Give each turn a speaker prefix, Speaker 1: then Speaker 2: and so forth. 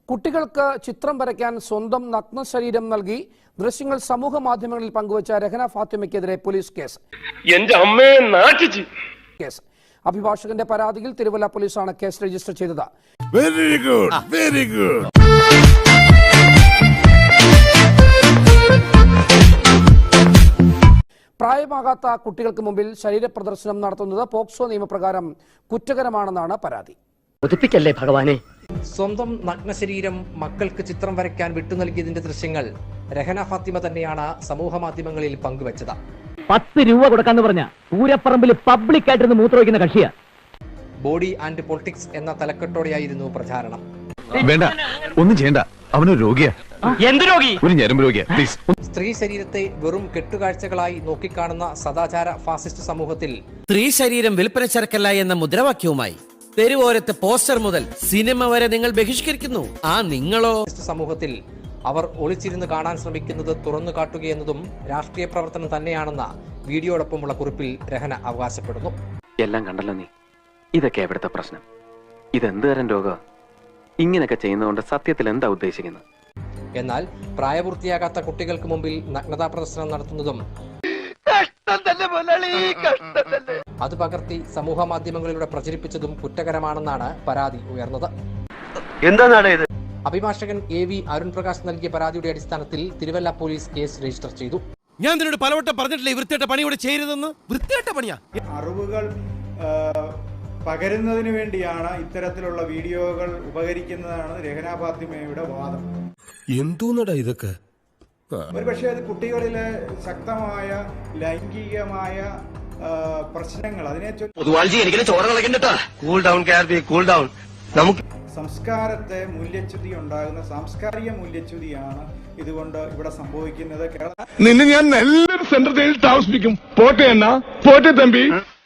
Speaker 1: കുട്ടികൾക്ക് ചിത്രം വരയ്ക്കാൻ സ്വന്തം നഗ്ന ശരീരം നൽകി ദൃശ്യങ്ങൾ സമൂഹ മാധ്യമങ്ങളിൽ പങ്കുവച്ച രഹന ഫാത്തിമയ്ക്കെതിരെ പോലീസ് കേസ്. അഭിഭാഷകന്റെ പരാതിയിൽ തിരുവല്ല പോലീസാണ് കേസ് രജിസ്റ്റർ ചെയ്തത്.
Speaker 2: Very good, very good.
Speaker 1: പ്രായമാകാത്ത കുട്ടികൾക്ക് മുമ്പിൽ ശരീരപ്രദർശനം നടത്തുന്നത് പോക്സോ നിയമപ്രകാരം കുറ്റകരമാണെന്നാണ് പരാതി.
Speaker 3: ഒതുപ്പിക്കല്ലേ ഭഗവാനെ.
Speaker 4: സ്വന്തം നഗ്നശരീരം മക്കൾക്ക് ചിത്രം വരയ്ക്കാൻ വിട്ടുനൽകിയതിന്റെ ദൃശ്യങ്ങൾ രഹന ഫാത്തിമ തന്നെയാണ് സമൂഹ മാധ്യമങ്ങളിൽ പങ്കുവച്ചത്.
Speaker 3: 10 രൂപ കൊടുക്കാന്ന് പറഞ്ഞ പൂരപ്പറമ്പിൽ പബ്ലിക് ആയിട്ടിരുന്ന് മൂത്രമൊഴിക്കുന്ന കക്ഷിയാ.
Speaker 4: ബോഡി ആൻഡ് പൊളിറ്റിക്സ് എന്ന തലക്കെട്ടോടെയായിരുന്നു പ്രചാരണം.
Speaker 2: വേണ്ട, ഒന്നും ചെയ്യണ്ട, അവനൊരു രോഗിയാ.
Speaker 3: എന്ത് രോഗി?
Speaker 2: ഒരു ഞരമ്പ് രോഗിയാ. പ്ലീസ്.
Speaker 4: സ്ത്രീ ശരീരത്തെ വെറും കെട്ടുകാഴ്ചകളായി നോക്കിക്കാണുന്ന സദാചാര ഫാസിസ്റ്റ് സമൂഹത്തിൽ
Speaker 5: സ്ത്രീ ശരീരം വിൽപ്പന ചരക്കല്ല എന്ന മുദ്രാവാക്യവുമായി തെരുവോരത്ത് പോസ്റ്റർ മുതൽ സിനിമ വരെ നിങ്ങൾ ബഹിഷ്കരിക്കുന്നു. ആ നിങ്ങളോ?
Speaker 4: സമൂഹത്തിൽ അവർ ഒളിച്ചിരുന്ന് കാണാൻ ശ്രമിക്കുന്നത് തുറന്നു കാട്ടുകയെന്നതും രാഷ്ട്രീയ പ്രവർത്തനം തന്നെയാണെന്ന വീഡിയോടൊപ്പമുള്ള കുറിപ്പിൽ രഹന അവകാശപ്പെടുന്നു.
Speaker 6: എല്ലാം കണ്ടല്ലോ നീ. ഇതൊക്കെ എവിടുത്തെ പ്രശ്നം? ഇതെന്ത് തരം രോഗം? ഇങ്ങനെയൊക്കെ ചെയ്യുന്നതുകൊണ്ട് സത്യത്തിൽ എന്താ ഉദ്ദേശിക്കുന്നത്?
Speaker 4: എന്നാൽ പ്രായപൂർത്തിയാകാത്ത കുട്ടികൾക്ക് മുമ്പിൽ നഗ്നതാ പ്രദർശനം നടത്തുന്നതും അത് പകർത്തി സമൂഹ മാധ്യമങ്ങളിലൂടെ പ്രചരിപ്പിച്ചതും കുറ്റകരമാണെന്നാണ് പരാതി ഉയർന്നത്. അഭിഭാഷകൻ AV അരുൺ പ്രകാശ് നൽകിയ പരാതിയുടെ അടിസ്ഥാനത്തിൽ തിരുവല്ല പോലീസ് കേസ് രജിസ്റ്റർ ചെയ്തു.
Speaker 5: ഞാൻ നിന്നോട് പലവട്ടം പറഞ്ഞിട്ടില്ലേ വൃത്തികെട്ട പണി ഇവിടെ ചെയ്യരുതെന്ന്? വൃത്തികെട്ട പണിയാ.
Speaker 7: അറിവുകൾ പകരുന്നതിന് വേണ്ടിയാണ് ഇത്തരത്തിലുള്ള വീഡിയോകൾ ഉപകരിക്കുന്നതാണ് രഹന ഫാത്തിമയുടെ വാദം.
Speaker 2: എന്തോന്നടാ ഇതൊക്കെ?
Speaker 7: ഒരുപക്ഷെ അത് കുട്ടികളിലെ ശക്തമായ ലൈംഗികമായ പ്രശ്നങ്ങൾ അതിനെ സംസ്കാരത്തെ മൂല്യച്യുതി ഉണ്ടാകുന്ന സാംസ്കാരിക മൂല്യച്യുതിയാണ് ഇതുകൊണ്ട് ഇവിടെ സംഭവിക്കുന്നത്.
Speaker 2: നിന്നെ ഞാൻ നല്ലൊരു സെന്റർ ജയിലിൽ താമസിപ്പിക്കും. പോട്ടെ തമ്പി.